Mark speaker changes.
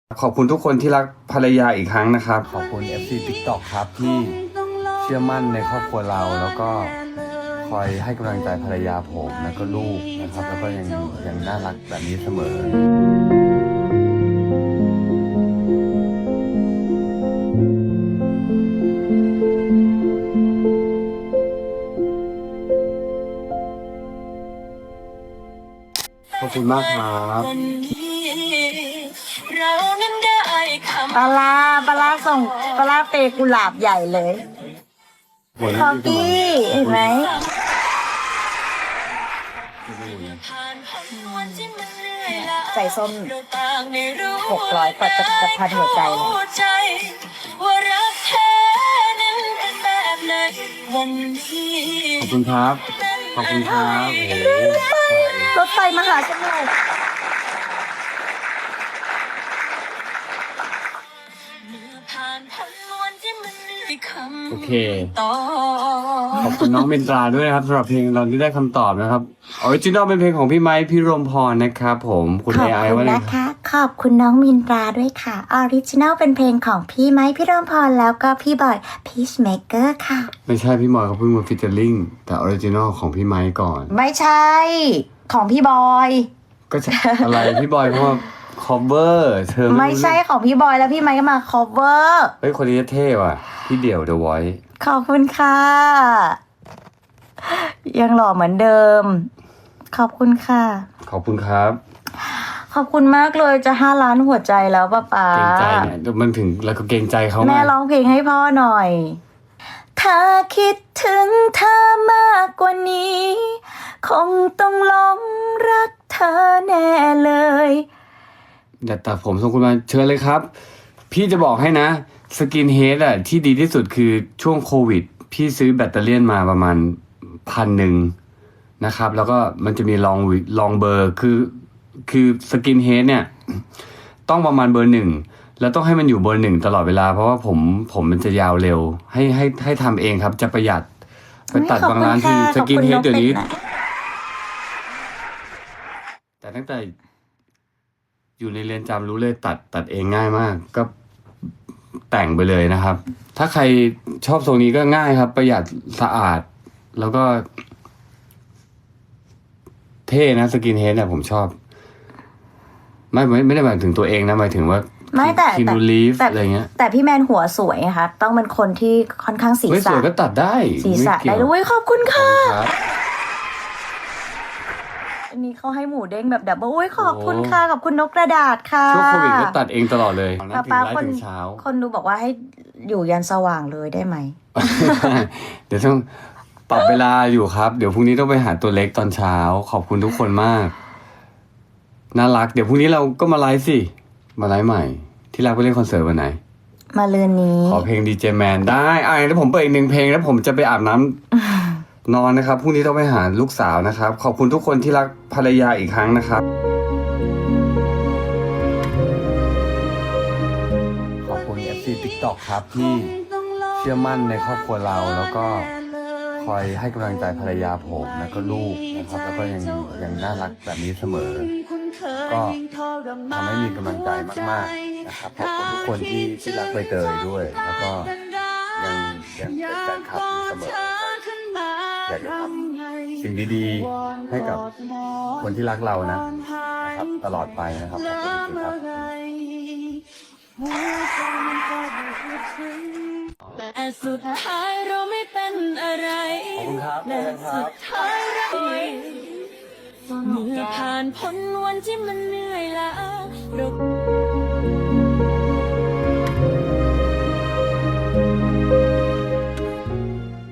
Speaker 1: ขอบคุณทุกคนที่รักภรรยาอีกครั้งนะครับ ขอบคุณ FC TikTok ครับที่เชื่อมั่นในครอบครัวเราแล้วก็คอยให้กำลังใจภรรยาผมแล้วก็ลูกนะครับแล้วก็ยังน่ารักแบบนี้เสมอขอบคุณมากครับ
Speaker 2: ปลาส่งปลาเปกุหลาบใหญ่เลยคอกี้เห็นไหมใส่ส้ม600กว่าจะพันหัวใจเลย
Speaker 1: ขอบคุณครับขอบคุณครับ
Speaker 2: รถไฟมาหาฉันหน่อย
Speaker 1: โอเคขอบคุณน้องเมนตราด้วยนะครับสำหรับเพลงเราที่ได้คำตอบนะครับออริจินอลเป็นเพลงของพี่ไมค์พี่รมพรนะครับผมคุณ
Speaker 2: ขอบ
Speaker 1: AI
Speaker 2: คุณ
Speaker 1: ว่าไง
Speaker 2: นะคะขอบคุณน้องมินตราด้วยค่ะออริจินัลเป็นเพลงของพี่ไม้พี่รมพรแล้วก็พี่บอยพีชเมเกอร์ค่ะ
Speaker 1: ไม่ใช่พี่มอยเขาเพิ่งมาฟิชเจอริงแต่ออริจินอลของพี่ไมค์ก่อน
Speaker 2: ไม่ใช่ของพี่บอย
Speaker 1: ก็จะอะไรพี่บอยเพราะว่า cover เธอ
Speaker 2: ไม่ใช่ของพี่บอยแล้วพี่ไม้ก็มา cover
Speaker 1: เฮ้ยคนนี้เท่ว่ะพี่เดี่ยว The Voice
Speaker 2: ขอบคุณค่ะ ยังหล่อเหมือนเดิม ขอบคุณค่ะ
Speaker 1: ขอบคุณครับ
Speaker 2: ขอบคุณมากเลยจะ5 ล้านหัวใจแล้วป้าป๋า
Speaker 1: เกรงใจเนี่ยมันถึงแล้วก็เกรงใจเขา
Speaker 2: แม่ร้องเพลงให้พ่อหน่อย ถ้าคิดถึงเธอมากกว่านี้ คงต้องหลงรักเธอแน่เลย
Speaker 1: อย่าตัดผมส่งคุณมาเชิญเลยครับ พี่จะบอกให้นะสกินเฮดอะที่ดีที่สุดคือช่วงโควิด พี่ซื้อแบตเตอรี่มาประมาณ1,000นะครับ แล้วก็มันจะมีลองเบอร์คือสกินเฮดเนี่ยต้องประมาณเบอร์ 1แล้วต้องให้มันอยู่เบอร์ 1ตลอดเวลาเพราะว่าผมมันจะยาวเร็วให้ทำเองครับจะประหยัดไปตัดบางร้านที่สกินเฮดเดี๋ยวนี้แต่ตั้งแต่อยู่ในเรือนจำรู้เลยตัดเองง่ายมากก็แต่งไปเลยนะครับ ถ้าใครชอบทรงนี้ก็ง่ายครับ ประหยัดสะอาด แล้วก็เท่นะสกินเฮดเนี่ยผมชอบ ไม่ได้หมายถึงตัวเองนะหมายถึงว่า
Speaker 2: ไม่แต่
Speaker 1: คินูลีฟอะไรเงี้ย
Speaker 2: แต่พี่แมนหัวสวยนะคะต้องเป็นคนที่ค่อนข้างศีร
Speaker 1: ไม่ส
Speaker 2: ษะ
Speaker 1: วยก็ตัดได้
Speaker 2: ศีรษะ
Speaker 1: ม่เกี่
Speaker 2: ได้
Speaker 1: ยว
Speaker 2: ด้วยขอบคุณค่ะ
Speaker 1: ครับ
Speaker 2: อันนี้เขาให้หมูเด้งแบบดับเบิ้ลอุ้ยขอบคุณค่ะขอบคุณนกกระดาษค่ะ
Speaker 1: ช่วงโควิดก็ตัดเองตลอดเลยนั่งถึง
Speaker 2: ป้า
Speaker 1: ไล
Speaker 2: คน
Speaker 1: ฟ์ถึงเช้า
Speaker 2: คนดูบอกว่าให้อยู่ยันสว่างเลยได้ไหม
Speaker 1: เดี๋ยวต้องปรับเวลาอยู่ครับ เดี๋ยวพรุ่งนี้ต้องไปหาตัวเล็กตอนเช้า ขอบคุณทุกคนมากน่ารักเดี๋ยวพรุ่งนี้เราก็มาไลฟ์สิมาไลฟ์ใหม่ ที่รักไปเล่นคอนเสิร์ตวันไหน
Speaker 2: มาเรือนนี้
Speaker 1: ขอเพลงดีเจแมนได้แล้วผมเปิดอีก1 เพลงแล้วผมจะไปอาบน้ำ นอนนะครับพรุ่งนี้ต้องไปหาลูกสาวนะครับ ขอบคุณทุกคนที่รักภรรยาอีกครั้งนะครับขอบคุณ FC TikTok ครับที่เชื่อมั่นในครอบครัวเราแล้วก็คอยให้กำลังใจภรรยาผมแล้วก็ลูกนะครับแล้วก็ยังน่ารักแบบนี้เสมอ ก็ทำให้มีกำลังใจมากๆนะครับขอบคุณทุกคนที่รักใบเตยด้วย แล้วก็ยังเป็นแฟนคลับเสมออยากจะทำสิ่งดีๆให้กับคนที่รักเรานะครับตลอดไปนะครับขอบคุณจริงๆครับ
Speaker 3: แต่สุดท้ายเราไม่เป็นอะไร
Speaker 1: ขอบคุณครับ
Speaker 3: และสุดท้ายเราเมื่อผ่านพ้นวันที่มันเหนื่อยล้าเรา